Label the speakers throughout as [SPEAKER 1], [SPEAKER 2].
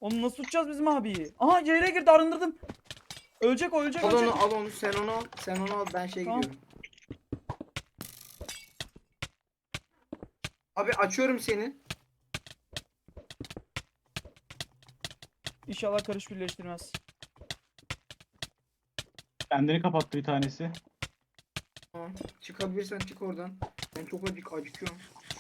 [SPEAKER 1] Onu nasıl tutacağız bizim abiyi? Aha CL'ye girdi, arındırdım. Ölecek o, ölecek,
[SPEAKER 2] Al
[SPEAKER 1] ölecek.
[SPEAKER 2] onu, al onu, sen onu al. Sen onu al, ben
[SPEAKER 1] Tamam.
[SPEAKER 2] gidiyorum. Abi açıyorum seni.
[SPEAKER 1] İnşallah karış birleştirmez.
[SPEAKER 3] Kendini kapattı bir tanesi.
[SPEAKER 2] Tamam. Çıkabilirsen çık oradan. Ben çok acıkıyorum.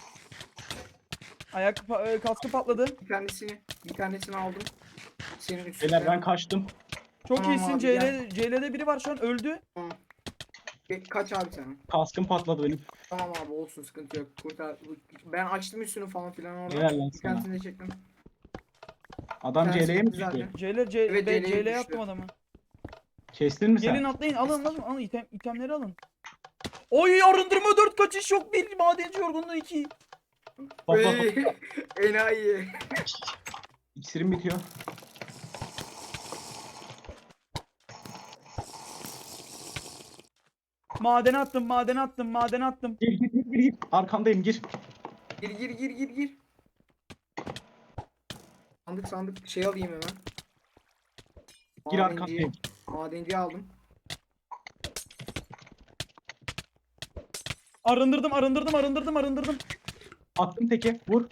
[SPEAKER 1] Kaskı patladı.
[SPEAKER 2] Bir tanesini aldım. Senin üstüne.
[SPEAKER 3] Beyler ben kaçtım.
[SPEAKER 1] Çok
[SPEAKER 2] Tamam
[SPEAKER 1] iyisin.
[SPEAKER 2] abi, gel.
[SPEAKER 1] CL'de biri var şu an, öldü.
[SPEAKER 2] Tamam. Kaç abi sen?
[SPEAKER 3] Kaskım patladı benim.
[SPEAKER 2] Tamam abi, olsun, sıkıntı yok. Kurtar. Ben açtım üstünü falan filan orada.
[SPEAKER 3] Helal lan
[SPEAKER 2] Bir
[SPEAKER 3] sana.
[SPEAKER 2] tanesini de çektim.
[SPEAKER 3] Adam
[SPEAKER 2] Tanesi
[SPEAKER 3] CL'ye mi
[SPEAKER 2] gitti zaten.
[SPEAKER 3] düştü?
[SPEAKER 2] Evet, CL'ye
[SPEAKER 1] CL'ye
[SPEAKER 2] düştü.
[SPEAKER 1] attım adamı.
[SPEAKER 3] Kestin mi sen?
[SPEAKER 1] Gelin atlayın, alın itemleri alın. Oy, arındırma 4, kaçış yok 1, madenci yorgunluğu 2.
[SPEAKER 3] Bak bak bak.
[SPEAKER 2] Ey, enayi.
[SPEAKER 3] İksirim bitiyor.
[SPEAKER 1] Madene attım.
[SPEAKER 3] Gir. Arkandayım gir.
[SPEAKER 2] Gir. Sandık şey alayım hemen.
[SPEAKER 3] Gir
[SPEAKER 2] Madenciyi-
[SPEAKER 3] arkandayım.
[SPEAKER 2] Madenciyi aldım.
[SPEAKER 1] Arındırdım.
[SPEAKER 3] Attım teke. Vur.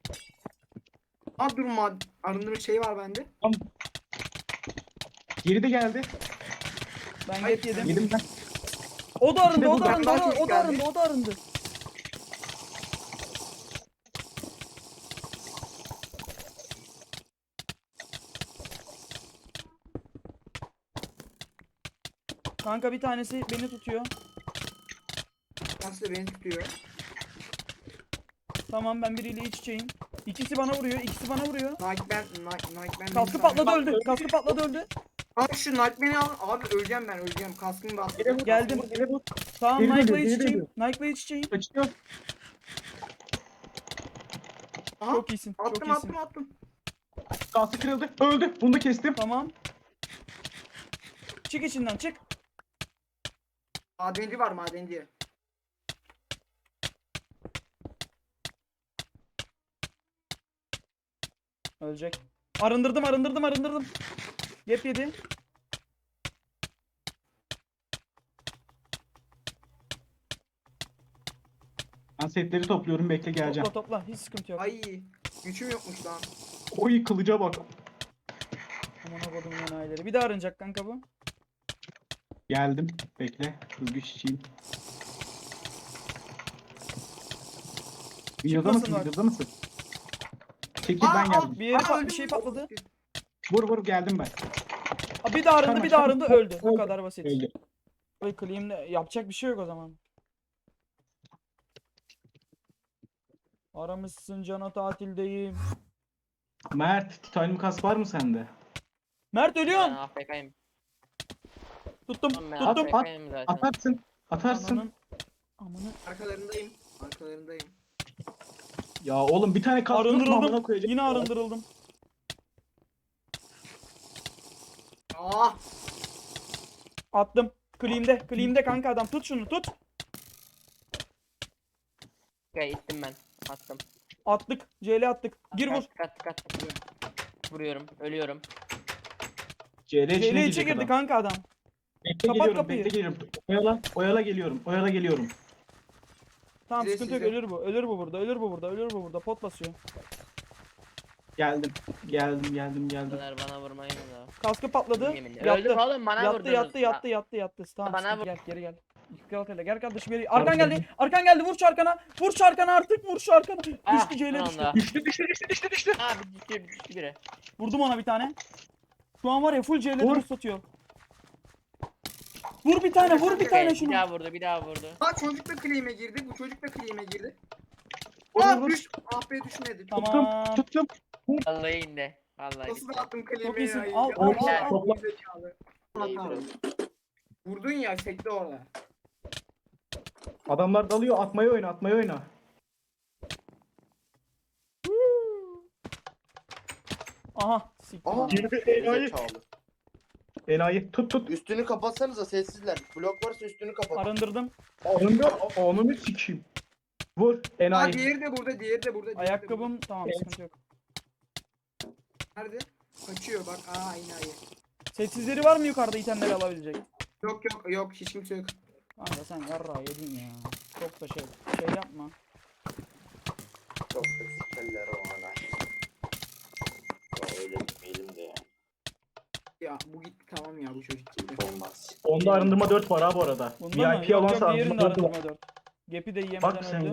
[SPEAKER 2] Dur, arındırma şey var bende.
[SPEAKER 3] Tamam. Geri de geldi.
[SPEAKER 1] Ben
[SPEAKER 2] Ay,
[SPEAKER 1] get yedim.
[SPEAKER 3] Yedim ben.
[SPEAKER 1] O da arındı,
[SPEAKER 3] İşte bu
[SPEAKER 2] benden çok geldi.
[SPEAKER 1] o da arındı. Kanka bir tanesi beni tutuyor.
[SPEAKER 2] Nasıl da beni tutuyor.
[SPEAKER 1] Tamam, ben biriyle iç içeyim. İkisi bana vuruyor.
[SPEAKER 2] Nightman.
[SPEAKER 1] Kaskı patladı, öldü.
[SPEAKER 2] Abi şu Nightman'i al. Abi öleceğim ben. Kaskımı bastı.
[SPEAKER 1] Geldim.
[SPEAKER 3] Geri vur.
[SPEAKER 1] Tamam,
[SPEAKER 3] Geri
[SPEAKER 1] Nike'la
[SPEAKER 3] dönüyor,
[SPEAKER 1] iç
[SPEAKER 3] geri
[SPEAKER 1] içeyim.
[SPEAKER 3] Kaçıyor.
[SPEAKER 2] Aha,
[SPEAKER 1] Çok iyisin.
[SPEAKER 2] attım.
[SPEAKER 3] Kaskı kırıldı. Öldü. Bunu da kestim.
[SPEAKER 1] Tamam. Çık içinden, çık.
[SPEAKER 2] Madenci var, madenci.
[SPEAKER 1] Ölecek. Arındırdım. Yep yedi.
[SPEAKER 3] Ben setleri topluyorum. Bekle geleceğim.
[SPEAKER 1] Topla. Hiç sıkıntı yok.
[SPEAKER 2] Ay, gücüm yokmuş lan.
[SPEAKER 3] Oy kılıca bak.
[SPEAKER 1] Aman kodumun enayileri. Bir daha arınacak kanka bu.
[SPEAKER 3] Geldim. Bekle. Hız güç içeyim. Videoda
[SPEAKER 1] Çıkmasın
[SPEAKER 3] mısın?
[SPEAKER 1] bak.
[SPEAKER 3] Videoda mısın? Çekil ben geldim.
[SPEAKER 1] Bir yeri
[SPEAKER 2] Aa,
[SPEAKER 1] bir şey patladı.
[SPEAKER 3] Vur geldim ben.
[SPEAKER 1] Bir daha arındı, öldü. Bu
[SPEAKER 3] Öldü.
[SPEAKER 1] kadar basit.
[SPEAKER 3] Öldü.
[SPEAKER 1] Oy, claim'le yapacak bir şey yok o zaman. Aramışsın cana, tatildeyim.
[SPEAKER 3] Mert, titanyum kask var mı sende?
[SPEAKER 1] Mert,
[SPEAKER 4] Ben
[SPEAKER 1] ölüyorsun.
[SPEAKER 4] AFK'yim.
[SPEAKER 1] Tuttum.
[SPEAKER 4] Oğlum ben
[SPEAKER 3] At,
[SPEAKER 4] AFK'yim zaten.
[SPEAKER 3] Atarsın.
[SPEAKER 1] Ananın. Amına.
[SPEAKER 2] Arkalarındayım.
[SPEAKER 3] Ya oğlum bir tane kask yok mu amına
[SPEAKER 1] Arındırıldım.
[SPEAKER 3] koyacak?
[SPEAKER 1] Yine arındırıldım.
[SPEAKER 2] Ah,
[SPEAKER 1] Attım. Claim'de kanka adam. Tut şunu, tut.
[SPEAKER 4] Okay, ittim ben. Attım.
[SPEAKER 1] Attık. CL attık. Gir vur.
[SPEAKER 4] Kat. Vuruyorum. Ölüyorum.
[SPEAKER 3] CL içine
[SPEAKER 1] CL içe
[SPEAKER 3] girecek
[SPEAKER 1] girdi
[SPEAKER 3] adam.
[SPEAKER 1] kanka adam.
[SPEAKER 3] Bekle
[SPEAKER 1] Kapat
[SPEAKER 3] geliyorum,
[SPEAKER 1] kapıyı.
[SPEAKER 3] bekle geliyorum. Oyala geliyorum.
[SPEAKER 1] Tamam,
[SPEAKER 2] Size,
[SPEAKER 1] sıkıntı yok.
[SPEAKER 2] size.
[SPEAKER 1] Ölür bu burada. Pot basıyor.
[SPEAKER 3] Geldim.
[SPEAKER 4] Bunlar bana vurmayın da.
[SPEAKER 1] Kaskı patladı.
[SPEAKER 4] Yeminle. Öldüm oğlum, bana vurdunuz.
[SPEAKER 1] Yattı. Tamam,
[SPEAKER 4] Bana
[SPEAKER 1] sıkıntı, geri gel. Gel kardeşim, geri. Arkan geldi. Vur şu arkana artık. Düştü CL düştü.
[SPEAKER 3] Düştü.
[SPEAKER 4] Abi düştü biri.
[SPEAKER 1] Vurdum ona bir tane. Şu an var ya, full CL'de
[SPEAKER 3] Vur.
[SPEAKER 1] boost atıyor. Vur bir tane
[SPEAKER 4] Okay,
[SPEAKER 1] şunu.
[SPEAKER 4] bir daha vurdu.
[SPEAKER 2] çocuk da claim'e girdi. Bu çocuk da claim'e girdi.
[SPEAKER 3] Vur.
[SPEAKER 2] Ah be, düşmedi.
[SPEAKER 1] Tamam.
[SPEAKER 3] Tuttum.
[SPEAKER 4] Vallahi indi. Vallahi
[SPEAKER 2] Nasıl
[SPEAKER 4] gitti.
[SPEAKER 2] da attım claim'e
[SPEAKER 1] Çok iyisin.
[SPEAKER 2] ya.
[SPEAKER 1] Al,
[SPEAKER 3] Topla.
[SPEAKER 2] Zekalı.
[SPEAKER 4] İyi,
[SPEAKER 2] Tamam.
[SPEAKER 4] bro.
[SPEAKER 2] Vurdun ya, sekti orada.
[SPEAKER 3] Adamlar dalıyor. Atmayı oyna.
[SPEAKER 1] Aha. Siktir.
[SPEAKER 5] Aha.
[SPEAKER 3] Girdi enayi.
[SPEAKER 5] Zekalı.
[SPEAKER 3] Enayi. Tut.
[SPEAKER 5] Üstünü kapatsanıza, sessizler. Blok varsa üstünü kapat.
[SPEAKER 1] Arındırdım.
[SPEAKER 3] Onu sikeyim. Vur.
[SPEAKER 2] Aa,
[SPEAKER 3] Enayi.
[SPEAKER 2] diğeri de burada.
[SPEAKER 1] Ayakkabım tamam, sıkıntı yok.
[SPEAKER 2] Nerede? Kaçıyor bak. Aa enayi.
[SPEAKER 1] Setsizleri var mı yukarıda itemleri alabilecek?
[SPEAKER 2] Yok yok yok hiç kimse yok.
[SPEAKER 1] Kanka sen yarra yedin ya. Çok da şey yapma.
[SPEAKER 5] Çok da sikerler o ana. Ya öyle demeyelim de ya.
[SPEAKER 2] Ya bu gitti tamam ya bu çocuk gitti.
[SPEAKER 5] Hiç olmaz.
[SPEAKER 3] Onda arındırma 4 var ha bu arada.
[SPEAKER 1] Bunda mı?
[SPEAKER 3] VIP
[SPEAKER 1] Yok
[SPEAKER 3] alansa
[SPEAKER 1] yok diğerinde
[SPEAKER 3] arındırma 4 var.
[SPEAKER 1] arındırma 4. Gap'i de yemeden
[SPEAKER 3] Bak sen
[SPEAKER 1] öldü.